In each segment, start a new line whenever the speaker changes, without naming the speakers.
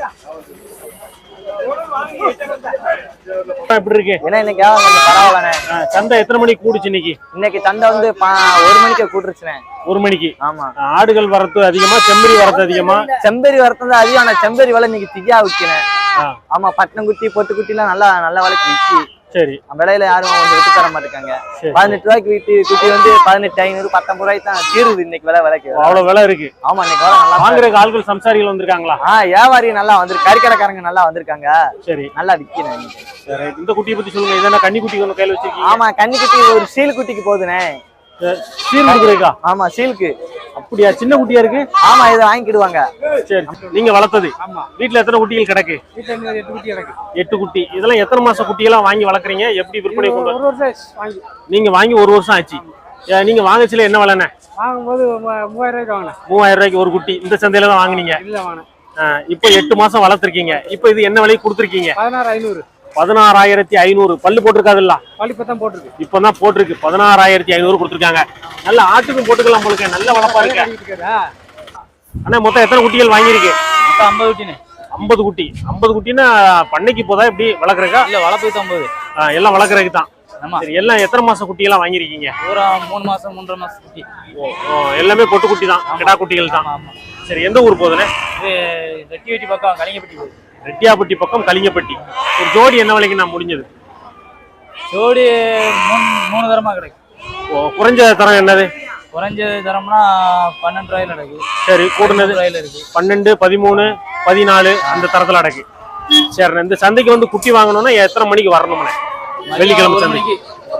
எப்படி இருக்கு?
ஏன்னா இன்னைக்கு பரவாயில்லண்ணே.
சந்தை எத்தனை மணிக்கு கூடுச்சு இன்னைக்கு?
இன்னைக்கு சந்தை வந்து 1 மணிக்கு கூட்டுருச்சுண்ணே.
1 மணிக்கு.
ஆமா.
ஆடுகள் வரத்து அதிகமா, செம்பரி வரத்து அதிகமா?
செம்பரி வரத்து தான் அதிகம். ஆனா செம்பரி விலை இன்னைக்கு திகா விற்கிறேன். ஆமா, பட்டினங்குட்டி பொட்டுக்குட்டி எல்லாம் நல்ல விலைக்கு விற்கி.
சரி.
விலையில யாரும் கொஞ்சம் விட்டு தர மாட்டேங்க. 18 ரூபாய்க்கு குட்டி வந்து 18,500 19 ரூபாய்க்கு தான் தீருது இன்னைக்கு விலைக்கு.
அவ்வளவு விலை இருக்கு.
ஆமா, இன்னைக்கு விலை நல்லா.
வாங்குறதுக்கு ஆள்கள் சம்சாரிகள் வந்திருக்காங்களா?
வியாபாரி நல்லா வந்திருக்கு. கறிக்கடைக்காரங்க நல்லா வந்திருக்காங்க. சரி, நல்லா விற்கிறேன்.
இந்த குட்டியை பத்தி சொல்லுங்க. இதெல்லாம் கன்னி குட்டி ஒண்ணு கையில வச்சிருக்கீங்க?
ஆமா, கன்னி குட்டி ஒரு சீல் குட்டிக்கு போகுதுண்ணே.
சீல் குடுக்குறீங்க? ஆமா,
சீலுக்கு.
அப்படியா? சின்ன குட்டியா இருக்கு?
ஆமா, இதை வாங்கிக்கிடுவாங்க.
சரி, நீங்க வளர்த்தது? ஆமா. வீட்டுல எத்தனை குட்டிகள் கிடக்கு?
வீட்டுல 8 குட்டி கிடக்கு.
8 குட்டி. இதெல்லாம் எத்தனை மாச குட்டியெல்லாம் வாங்கி வளர்க்குறீங்க? எப்படி விற்பனை கொண்டு?
1 வருஷம் வாங்கி.
நீங்க வாங்கி 1 வருஷம் ஆச்சு. நீங்க வாங்கச்சில என்ன விலைண்ணே?
வாங்கும்போது 3000 ரூபாய்க்கு வாங்கினேன்.
3000 ரூபாய்க்கு ஒரு குட்டி. இந்த சந்தையில தான் வாங்குனீங்க?
இல்ல, வாங்கினேன்.
இப்போ 8 மாசம் வளர்த்துருக்கீங்க. இப்போ இது என்ன விலைக்கு கொடுத்துருக்கீங்க?
16500.
16500. பல்லு போட்டிருக்காதுல்ல?
பல்லு இப்பதான் போட்டிருக்கு.
இப்பதான் போட்டிருக்கு. 16500 கொடுத்துருக்காங்க. நல்ல ஆட்டுக்கும் போட்டுக்கலாம் போலுக்க. நல்ல வளர்ப்பா இருக்கு. அண்ணா, மொத்தம் எத்தனை குட்டிகள் வாங்கியிருக்கு?
50 குட்டினே.
50 குட்டி. 50 குட்டின்னா பண்ணைக்கு போதா எப்படி வளர்க்குறக்கா?
இல்ல, வளர்ப்புக்கு 50.
எல்லாம் வளர்க்குறதுக்கு தான்.
சரி,
எல்லாம் எத்தனை மாசம் குட்டியெல்லாம் வாங்கியிருக்கீங்க?
ஒரு 3 மாசம் 3.5 மாசம் குட்டி.
எல்லாமே பொட்டு குட்டி தான், கிடா குட்டிகள் தான். சரி, எந்த ஊர் போகுதுண்ணே?
ரெட்டியாப்பட்டி பக்கம் கலிங்கப்பட்டி போகுது.
ரெட்டியாப்பட்டி பக்கம் கலிங்கப்பட்டி. ஒரு ஜோடி என்ன விலைக்கு நான் முடிஞ்சது?
ஜோடி 3 தரமா கிடைக்கும்.
குறைஞ்ச தரம் என்னது?
குறைஞ்ச தரம்னா 12 ரூபாயில நடக்கு.
சரி, கூடுனது 12, 13, 14 அந்த தரத்துல அடக்கு. சரி, இந்த சந்தைக்கு வந்து குட்டி வாங்கணும்னா எத்தனை மணிக்கு வரணும்னே? வெள்ளிக்கிழமை சந்தைக்கு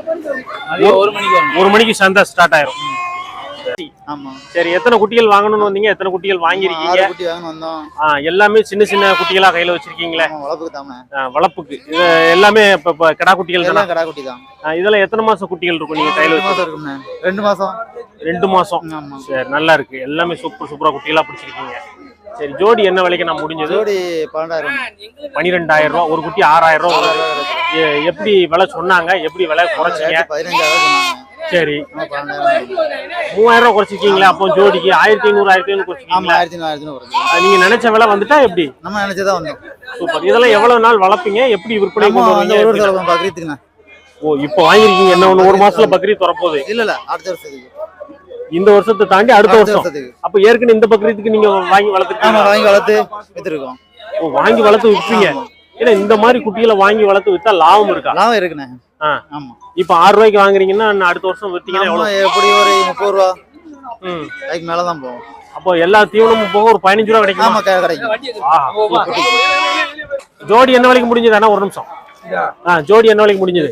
1 மணிக்கு சந்தை ஸ்டார்ட் ஆயிரும். சரி, எத்தனை குட்டிகள் வாங்கணும்னு வந்தீங்க? எத்தனை குட்டிகள் வாங்கிருக்கீங்க? எல்லாமே சின்ன சின்ன குட்டிகளா கையில வச்சிருக்கீங்களே? வளர்ப்புக்கு. இது எல்லாமே இப்ப கிடா குட்டிகள் தானா?
கிடா குட்டி தான்.
இதெல்லாம் எத்தனை மாசம் குட்டிகள் இருக்கும் நீங்க கையில
வச்சிருக்கீங்க? 2 மாசம்.
2 மாசம். சரி, நல்லா இருக்கு. எல்லாமே சூப்பரா குட்டிகளா பிடிச்சிருக்கீங்க. சரி, ஜோடி என்ன விலைக்கு நான் முடிஞ்சது?
ஜோடி 12000.
12000 ரூபா. ஒரு குட்டி 6000 ரூபா. எப்படி விலை சொன்னாங்க? எப்படி விலை குறைச்சிங்க?
15000.
சரி, 3000 ரூபா குறைச்சிருக்கீங்களா? அப்போ ஜோடிக்கு 1500 குறைச்சிருக்கீங்களா?
1500.
நீங்க நினைச்ச விலை வந்துட்டா எப்படி?
நம்ம நினைச்சதா வந்தோம்.
சூப்பர். இதெல்லாம் எவ்வளவு நாள் வளர்ப்பீங்க? எப்படி விற்பனை பண்ணுவீங்க?
பக்ரீத்துக்குண்ணா.
இப்போ வாங்கிருக்கீங்க. என்ன 1 மாசத்துல பக்ரீத் வரப்போகுது?
இல்ல, அடுத்த வருஷத்துக்கு.
இந்த வருஷத்தை தாண்டி அடுத்த வருஷம். அப்ப ஏற்கனவே இந்த பக்ரீத்துக்கு நீங்க வாங்கி வளர்த்துருக்கீங்க?
வாங்கி வளர்த்து வித்துருக்கோம்.
வாங்கி வளர்த்து விற்பீங்க. ஏன்னா இந்த மாதிரி குட்டிகளை வாங்கி வளர்த்து வித்தா லாபம் இருக்கா?
லாபம் இருக்குண்ணே.
ஆமா. இப்ப 6 ரூபாய்க்கு வாங்குறீங்கன்னா அடுத்த வருஷம் வித்தீங்கன்னா எவ்வளவு?
எப்படி ஒரு 30 ரூபா அதுக்கு மேலதான் போகும்.
அப்போ எல்லா தீவனமும் போக ஒரு 15 ரூபா கிடைக்கும்.
ஆமா, கிடைக்கும்.
ஜோடி என்ன விலைக்கு முடிஞ்சது? ஆனா ஒரு நிமிஷம். ஜோடி என்ன விலைக்கு முடிஞ்சது?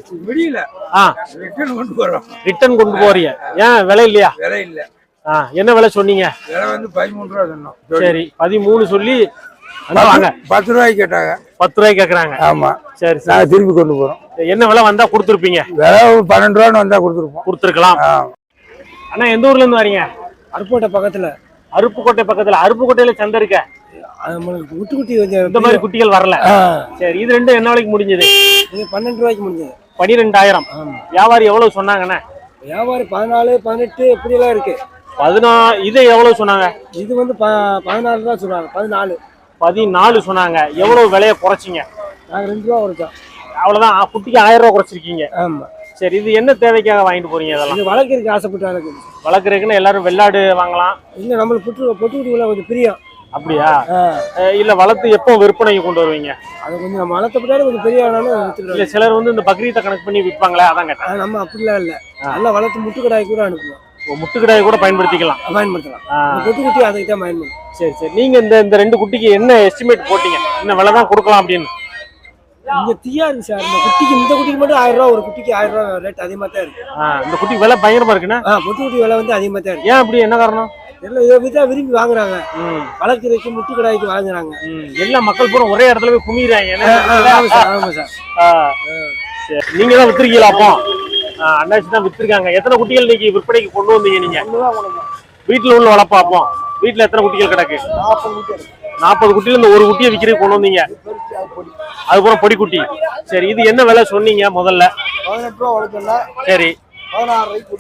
ரிட்டர்ன் கொண்டு போறீங்க. ஏன் விலை இல்லையா?
விலை இல்ல.
என்ன விலை சொன்னீங்க?
விலை வந்து 13 ரூபா சொன்னோம்.
சரி, 13 சொல்லி
10 ரூபாய்க்கு கேட்டாங்க.
10 ரூபாய்க்கு கேக்குறாங்க.
ஆமா.
சரி,
நான் திருப்பி கொண்டு போறோம்.
என்ன விலை வந்தா கொடுத்துருப்பீங்க?
விலை 12 ரூபான்னு வந்தா கொடுத்துருக்கலாம்.
அண்ணா, எந்த ஊர்ல இருந்து வரீங்க?
அருப்புக்கோட்டை பக்கத்துல.
அருப்புக்கோட்டை பக்கத்துல. அருப்புக்கோட்டையில சந்தை இருக்க?
குட்டி
இந்த மாதிரி குட்டிகள் வரல. சரி, இது ரெண்டும் என்ன விலைக்கு முடிஞ்சது?
12 ரூபாய்க்கு முடிஞ்சது.
12000. வியாபாரி எவ்வளவு சொன்னாங்கண்ணே?
வியாபாரி 14, 18 இப்படி எல்லாம் இருக்கு.
14. இது எவ்வளவு சொன்னாங்க?
இது வந்து 14 தான் சொன்னாங்க.
14 சொன்னாங்க. எவ்வளவு விலையை குறைச்சிங்க?
நாங்க 2 ரூபா குறைச்சோம்.
அவ்வளவுதான். குட்டிக்கு 1000 ரூபா குறைச்சிருக்கீங்க.
ஆமா.
சரி, இது என்ன தேவைக்காக வாங்கிட்டு போறீங்க? இதெல்லாம்
வளர்க்கறதுக்கு ஆசைப்பட்டு
வளர்க்கறதுக்குன்னு எல்லாரும் வெள்ளாடு வாங்கலாம்.
இல்ல, நம்மளுக்கு பொட்டு குட்டி கொஞ்சம் பிரியம்.
அப்படியா? இல்ல, வளர்த்து எப்போ விற்பனைக்கு கொண்டு வருவீங்க?
அது கொஞ்சம் நம்ம வளர்த்தப்பட்டாலும் கொஞ்சம் பெரிய
இல்ல, சிலர் வந்து இந்த பக்ரீத்தை கணக்கு பண்ணி விற்பாங்களே, அதான் கேட்டேன்.
நம்ம அப்படிலாம் இல்ல. நல்லா வளர்த்து முட்டுக்கடாய் கூட அனுப்புவோம்.
முட்டுக்கடாய் கூட பயன்படுத்திக்கலாம்.
பொட்டு குட்டி அதுக்கு தான் பயன்படுத்தும்.
சரி சரி, நீங்க இந்த 2 குட்டிக்கு என்ன எஸ்டிமேட் போட்டீங்க? என்ன விலை தான் கொடுக்கலாம் அப்படின்னு?
இங்க தீயா இருக்கு சார். இந்த குட்டிக்கு மட்டும் 1000 ரூபா. ஒரு குட்டிக்கு 1000 ரூபா ரேட் அதிகமா தான் இருக்கு.
இந்த குட்டி விலை பயங்கரமா இருக்குண்ணா.
பொட்டு குட்டி விலை வந்து அதிகமா தான் இருக்கு.
ஏன் அப்படி? என்ன காரணம்?
எல்லாம் இதை வித்தா விரும்பி வாங்குறாங்க. வளர்க்கறதுக்கு முட்டு கடாய்க்கு வாங்குறாங்க.
எல்லா மக்கள் பூரா ஒரே இடத்துல போய் குமிறாங்க.
ஆமா சார்.
நீங்க தான் வித்துருக்கீங்களா? அப்போ அண்ணாச்சி தான் வித்துருக்காங்க. எத்தனை குட்டிகள் இன்னைக்கு விற்பனைக்கு கொண்டு வந்தீங்க நீங்க? வீட்டுல உள்ள வளர்ப்பாப்போம். வீட்டுல எத்தனை குட்டிகள் கிடக்கு? 40 குட்டியில இந்த ஒரு குட்டியை விற்கிறதுக்கு கொண்டு வந்தீங்க. அதுக்கப்புறம் பொடி குட்டி. சரி, இது என்ன விலை சொன்னீங்க முதல்ல?
18 ரூபா வளர்க்கல.
சரி,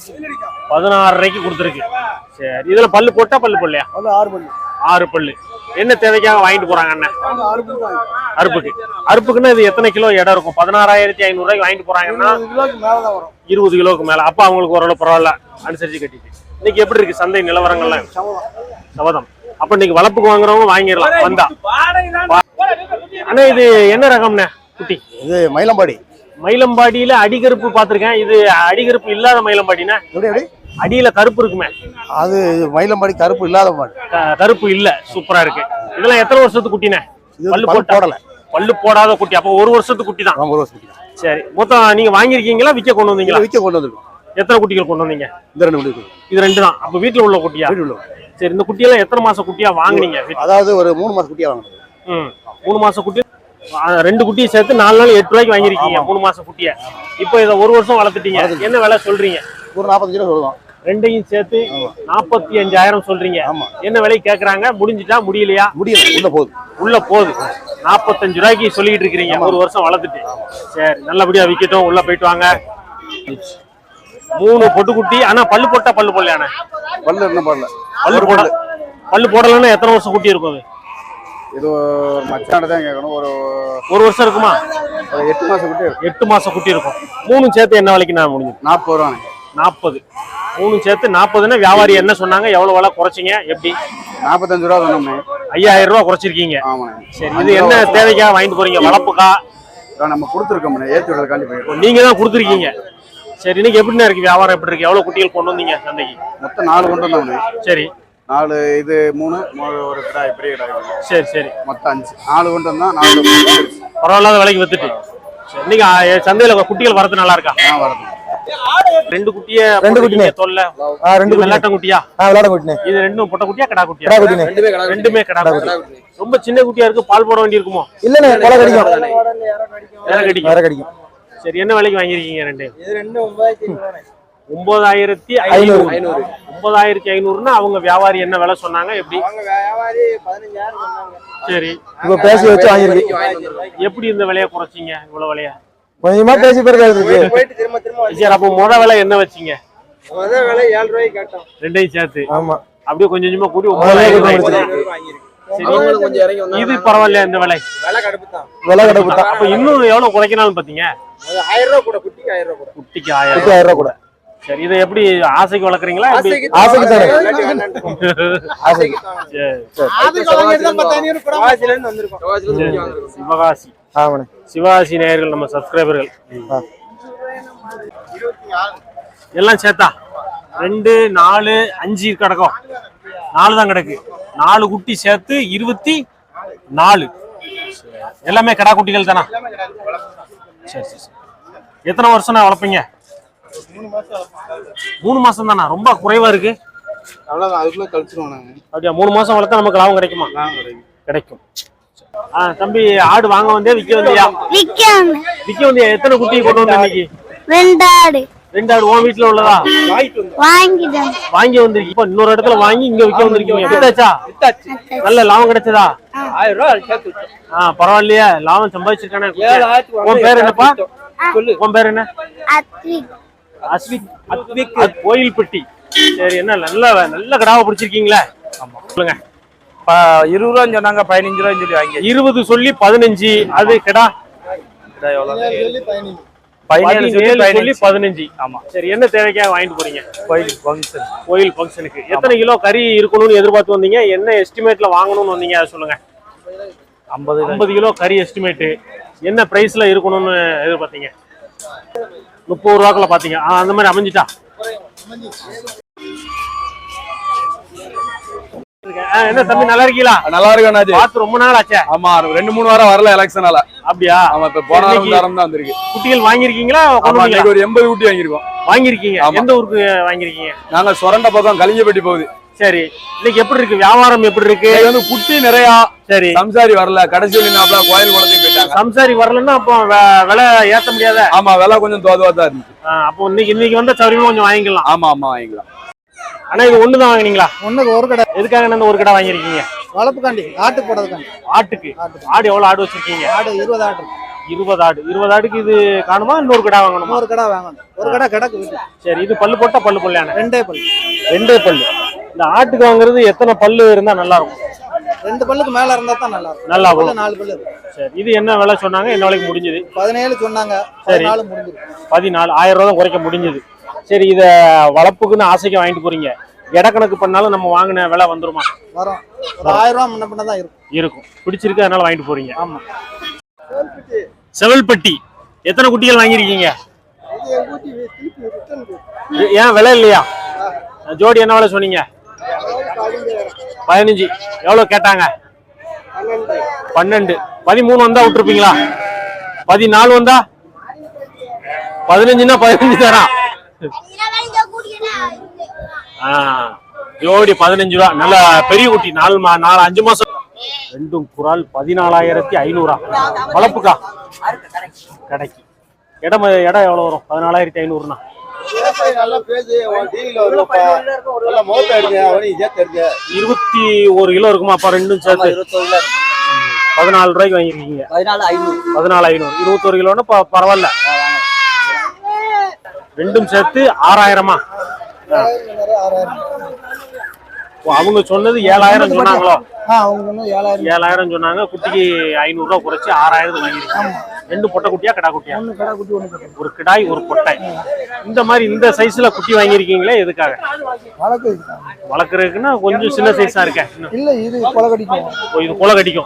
16 ரூபாய்க்கு கொடுத்துருக்கு. சரி, இதுல பல்லு போட்டா பல்லு போடலையா?
6 பல்லு.
6 பல்லு. என்ன தேவைக்காக வாங்கிட்டு போறாங்க அண்ணன்? அறுப்புக்கு. அறுப்புக்குன்னா இது எத்தனை கிலோ இடம் இருக்கும்? 16,500 ரூபாய்க்கு வாங்கிட்டு போறாங்கன்னா 20 கிலோக்கு மேல. அப்ப அவங்களுக்கு ஓரளவு பரவாயில்ல, அனுசரிச்சு கட்டிட்டு. இன்னைக்கு எப்படி இருக்கு சந்தை நிலவரங்கள்லாம்? சவதம். அப்ப இன்னைக்கு வளர்ப்புக்கு வாங்குறவங்க வாங்கிடலாம் வந்தா. ஆனா இது என்ன ரகம்ண்ணே குட்டி?
இது மயிலம்பாடி.
மயிலம்பாடியில அடிகருப்பு பாத்திருக்கேன். இது அடிகருப்பு இல்லாத மயிலம்பாடினா அடியில கருப்பு இருக்குமே,
அது மயிலம்பாடி கருப்பு இல்லாத மாடு.
கருப்பு இல்ல, சூப்பரா இருக்கு. இதெல்லாம் எத்தனை வருஷத்துக்கு குட்டினே? பல்லு போடல, பல்லு போடாத குட்டி. அப்ப 1 வருஷத்துக்கு குட்டி தான்.
1 வருஷத்துக்கு.
சரி, மொத்தம் நீங்க வாங்கிருக்கீங்களா விற்க கொண்டு வந்தீங்களா?
விற்க கொண்டு வந்திருக்கோம்.
எத்தனை குட்டிகள் கொண்டு வந்தீங்க?
இந்த 2 குட்டி.
இது 2 தான். அப்ப வீட்டுல உள்ள குட்டியா? சரி, இந்த குட்டியெல்லாம் எத்தனை மாசம் குட்டியா வாங்குனீங்க?
அதாவது ஒரு 3 மாசம் குட்டியா வாங்கினது.
3 மாசம் குட்டி. 2 குட்டியை சேர்த்து 4 நாள் 8 ரூபாய்க்கு வாங்கிருக்கீங்க 3 மாசம் குட்டிய. இப்போ இதை 1 வருஷம் வளர்த்துட்டீங்க. என்ன விலை சொல்றீங்க?
ஒரு 45 ரூபா சொல்லுவோம்.
2ஐயும் சேர்த்து 45,000 சொல்றீங்க. என்ன விலை கேக்குறாங்க? முடிஞ்சிட்டா முடியலையா?
முடியல, உள்ள போகுது.
45 ரூபாய்க்கு சொல்லிட்டு இருக்கீங்க 1 வருஷம் வளர்த்துட்டு. சரி, நல்லபடியா விக்கட்டும். உள்ள போயிட்டு வாங்க. 3 பொட்டுக்குட்டி. ஆனா பல்லு போட்டா பல்லு போடலையானே?
பல்லு என்ன போடல.
பல்லு போடலன்னா எத்தனை வருஷம் குட்டி இருக்கும் அது?
இது மச்சான தான் கேட்கணும்.
ஒரு வருஷம் இருக்குமா?
8 மாசம் குட்டி.
8 மாசம் குட்டி இருக்கும். 3 சேர்த்து என்ன விலைக்கு நான் முடிஞ்சது?
40 ரூபாங்க.
40. 3 சேர்த்து 40ன்னா வியாபாரி என்ன சொன்னாங்க? எவ்வளவு விலை குறைச்சிங்க? எப்படி?
45 ரூபா சொன்னோம்னே.
5,000 ரூபா குறைச்சிருக்கீங்க.
ஆமாண்ணே.
சரி, இது என்ன தேவைக்காக வாங்கிட்டு போறீங்க? வளர்ப்புக்கா?
நம்ம கொடுத்துருக்கோம், ஏற்றி விடுறதுக்காண்டி போயிருக்கோம்.
நீங்க தான் கொடுத்துருக்கீங்க. சரி, இன்னைக்கு எப்படின்னா இருக்கு வியாபாரம்? எப்படி இருக்கு? எவ்வளவு குட்டிகள் கொண்டு வந்தீங்க சந்தைக்கு?
மொத்தம் 4 கொண்டு வந்தோம்ண்ணே.
சரி,
4 இது 3 ஒரு கிடாய், பெரிய கிடாய்.
சரி சரி,
மொத்தம் 5. 4 கொண்டு வந்தா 4
பரவாயில்லாத விலைக்கு வித்துட்டு. சரி, இன்னைக்கு சந்தையில குட்டிகள் வரது நல்லா இருக்கா?
வரது.
2 குட்டிய
2 குட்டினே
தொல்ல.
2
வெள்ளாட்ட குட்டியா?
விளையாட குட்டினே.
இது 2 பொட்டை குட்டியா கடா குட்டியா?
கடா குட்டினே.
ரெண்டுமே கடா குட்டி. ரொம்ப சின்ன குட்டியா இருக்கு. பால் போட வேண்டி இருக்குமோ?
இல்லனே, கொலை கடிக்கும்.
வேற கடிக்கும். சரி, என்ன விலைக்கு வாங்கிருக்கீங்க 2?
இது 9,500.
9,500. 9,500ன்னா அவங்க வியாபாரி என்ன விலை சொன்னாங்க? எப்படி?
அவங்க வியாபாரி 15,000 சொன்னாங்க.
சரி,
இப்ப பேசி வச்சு வாங்கிருக்கீங்க.
எப்படி இந்த விலையை குறைச்சீங்க? இவ்வளவு விலையா?
கொஞ்சமா பேசி போயிட்டு திரும்ப
சரி, அப்போ முத விலை என்ன வச்சீங்க?
முத விலை 7 ரூபாய்க்கு கேட்டோம்.
2ஐயும் சேர்த்து.
ஆமா,
அப்படியே கொஞ்சம் கொஞ்சமா கூட்டி 9,000
வாங்கிருக்கு.
சரி, கொஞ்சம் இறங்கி வந்தா இது பரவாயில்லையா? இந்த விலை
விலை கடுப்பு தான்.
அப்ப இன்னும் எவ்வளவு குறைக்கனாலும் பாத்தீங்க?
1000 ரூபாய் கூட, குட்டிக்கு 1000 ரூபாய் கூட.
குட்டிக்கு 1000 ரூபாய் கூட. சரி, இதை எப்படி ஆசைக்கு வளர்க்குறீங்களா?
ஆசைக்கு தானே. ஆசைக்கு தான்.
சிவகாசி.
ஆமாண்ணே.
சிவகாசி நேயர்கள், நம்ம சப்ஸ்கிரைபர்கள் எல்லாம் சேர்த்தா 2, 4, 5 கிடக்கும். 4 தான் கிடக்கு. 4 குட்டி சேர்த்து 24. எல்லாமே கடா குட்டிகள் தானா? சரி சரி சரி. எத்தனை வருஷம் வளர்ப்பீங்க? 3 மாசம் தானா? ரொம்ப குறைவா இருக்கு.
அவ்வளவுதான், அதுக்குள்ள கழிச்சிருவோம் நாங்க.
அப்படியா? 3 மாசம் வளர்த்தா நமக்கு லாபம் கிடைக்குமா? கிடைக்கும். தம்பி, ஆடு வாங்க வந்தே விக்க வந்தியா? விக்க வந்தியா? எத்தனை குட்டி கொண்டு வந்த இன்னைக்கு?
2 ஆடு.
2 ஆடு உன் வீட்டுல உள்ளதா? வாங்கி வந்திருக்கீங்க. இப்ப இன்னொரு இடத்துல வாங்கி இங்க விக்க வந்திருக்கீங்க. வித்தாச்சா? நல்ல லாபம் கிடைச்சதா?
1000 ரூபாய் சேர்த்து.
பரவாயில்லையா? லாபம் சம்பாதிச்சிருக்கானே. உன் பேர் என்னப்பா? உன் பேர் என்ன? அஸ்விக். கோயில்பட்டி. சரி, என்ன நல்ல கடாவை பிடிச்சிருக்கீங்களா? சொல்லுங்க.
20 ரூபான்னு சொன்னாங்க, 15 ரூபான்னு சொல்லி வாங்கி.
20 சொல்லி 15. அது கிடா 17 சொல்லி 15. ஆமா. சரி, என்ன தேவைக்காக வாங்கிட்டு போறீங்க? கோயில் ஃபங்க்ஷனுக்கு. எத்தனை கிலோ கறி இருக்கணும்னு எதிர்பார்த்து வந்தீங்க? என்ன எஸ்டிமேட்ல வாங்கணும்னு வந்தீங்க? அதை சொல்லுங்க. 50 கிலோ கறி எஸ்டிமேட். என்ன பிரைஸ்ல இருக்கணும்னு எதிர்பார்த்தீங்க? 30 ரூபாக்குள்ள பாத்தீங்க. அந்த மாதிரி அமைஞ்சிட்டா? என்ன தம்பி, நல்லா இருக்கீங்களா?
நல்லா இருக்கேன்.
பார்த்து ரொம்ப நாள் ஆச்சே.
ஆமா, 2-3 வாரம் வரல எலெக்ஷனால.
அப்படியா?
ஆமா, இப்ப போன வாரம் தான் வந்திருக்கு.
குட்டிகள் வாங்கிருக்கீங்களா?
ஒரு 80 குட்டி வாங்கிருக்கோம்.
வாங்கிருக்கீங்க? எந்த ஊருக்கு வாங்கிருக்கீங்க?
நாங்க சொரண்ட பக்கம் கலிங்கப்பட்டி போகுது.
சரி, இன்னைக்கு எப்படி இருக்கு வியாபாரம்? எப்படி இருக்கு?
குட்டி நிறைய. சரி, சம்சாரி வரல. கடைசி கோயில் குளத்துக்கு போயிட்டாங்க.
சம்சாரி வரலன்னா அப்போ விலை ஏத்த முடியாத?
ஆமா, விலை கொஞ்சம் தோதுவா தான் இருந்துச்சு.
அப்போ இன்னைக்கு வந்த சௌரியமா கொஞ்சம் வாங்கிக்கலாம்.
ஆமா ஆமா, வாங்கிக்கலாம்.
ஆனா இது ஒண்ணுதான் வாங்கினீங்களா?
ஒண்ணுக்கு ஒரு கடை.
எதுக்காக இந்த ஒரு கடை வாங்கிருக்கீங்க?
வளர்ப்புக்காண்டி, ஆட்டு போடுறதுக்காண்டி.
ஆட்டுக்கு. ஆடு எவ்வளவு ஆடு வச்சிருக்கீங்க?
ஆடு 20 ஆடு.
20 ஆடு. 20 ஆடுக்கு இது காணுமா? இன்னொரு கடை வாங்கணுமா?
ஒரு கடை வாங்கணும். ஒரு கடை கிடக்கு.
சரி, இது பல்லு போட்டா பல்லு போடலையான?
2 பல்லு.
2 பல்லு. இந்த ஆட்டுக்கு வாங்குறது எத்தனை பல்லு இருந்தா நல்லா இருக்கும்?
2 பல்லுக்கு மேல இருந்தா தான் நல்லா இருக்கும்.
நல்லா வரும்.
4 பல்லு இருக்கு.
சரி, இது என்ன விலை சொன்னாங்க, என்ன விலைக்கு முடிஞ்சது?
17 சொன்னாங்க,
சரி.
14 முடிஞ்சிருக்கு.
14, 1000 ரூபா தான் குறைக்க முடிஞ்சது. சரி, இத வளர்ப்புக்குன்னு ஆசைக்கு வாங்கிட்டு போறீங்க, எடக்கணக்கு பண்ணாலும் நம்ம வாங்கின விலை வந்துருமா?
வரும். ஒரு 1000 ரூபா முன்ன பின்ன தான் இருக்கும்.
இருக்கும். பிடிச்சிருக்கு, அதனால வாங்கிட்டு போறீங்க.
ஆமா.
செவல்பட்டி எத்தனை குட்டிகள் வாங்கியிருக்கீங்க? ஏன் விலை இல்லையா? ஜோடி என்ன விலை சொன்னீங்க? 15. எவ்வளவு கேட்டாங்க? 12. 13 வந்தா விட்டுருப்பீங்களா? 14 வந்தா? 15ன்னா 15 தரா. ஜோடி 15 ரூபா. நல்ல பெரிய குட்டி, 4-5 மாசம். ரெண்டும் குறால் 14,500. வளர்ப்புக்கா? கடைக்கு. இடம் எவ்வளவு வரும்? 14,500னா 21 கிலோ இருக்குமா? அப்ப ரெண்டும் சேர்த்து 14 ரூபாய்க்கு வாங்கிருக்கீங்க. 14,500. 21 கிலோன்னு பரவாயில்ல. ரெண்டும் சேர்த்து 6,000மா? அவங்க சொன்னது 7,000 சொன்னாங்களோ?
அவங்க சொன்னது
7,000 சொன்னாங்க. குட்டிக்கு 500 ரூபா குறைச்சு 6,000 வாங்கிருக்காங்க. 2 பொட்டை குட்டியா கடா குட்டியா?
கடா குட்டி, 1 பொட்டை.
ஒரு கிடாய், ஒரு பொட்டை. இந்த மாதிரி இந்த சைஸ்ல குட்டி வாங்கிருக்கீங்களே, எதுக்காக? வளர்க்கறதுக்குன்னா கொஞ்சம் சின்ன சைஸா இருக்க?
இல்ல, இது கொலை கடிக்கும்.
இது கொலை கடிக்கும்.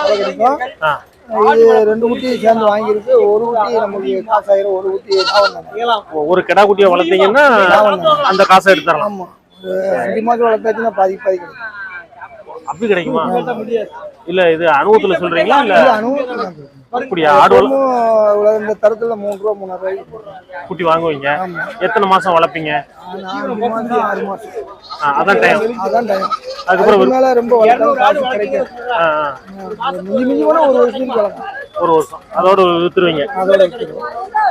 இது 2 குட்டி சேர்ந்து வாங்கியிருக்கு. ஒரு குட்டி நமக்கு காசாயிரம், ஒரு குட்டி
ஒரு கிடா குட்டியை வளர்த்தீங்கன்னா அந்த காசை எடுத்துடலாம்.
ஆமா, 5 மாசம் வளர்த்தாச்சுன்னா பாதி கிடைக்கும்.
அப்படி கிடைக்குமா? இல்ல, இது அனுபவத்துல சொல்றீங்களா? இல்ல அப்படியா? ஆடு
இந்த தரத்துல 3 ரூபா 3,500 ரூபாய்க்கு
குட்டி வாங்குவீங்க. எத்தனை மாசம் வளர்ப்பீங்க?
6 மாசம்.
அதான் டைம்.
அதுக்கப்புறம் மேல ரொம்ப வளர்த்தாலும் கிடைக்காது. மிஞ்சி போனா 1 வருஷத்துக்கு வளர்க்கலாம்.
1 வருஷம் அதோட வித்துருவீங்க.
அதோட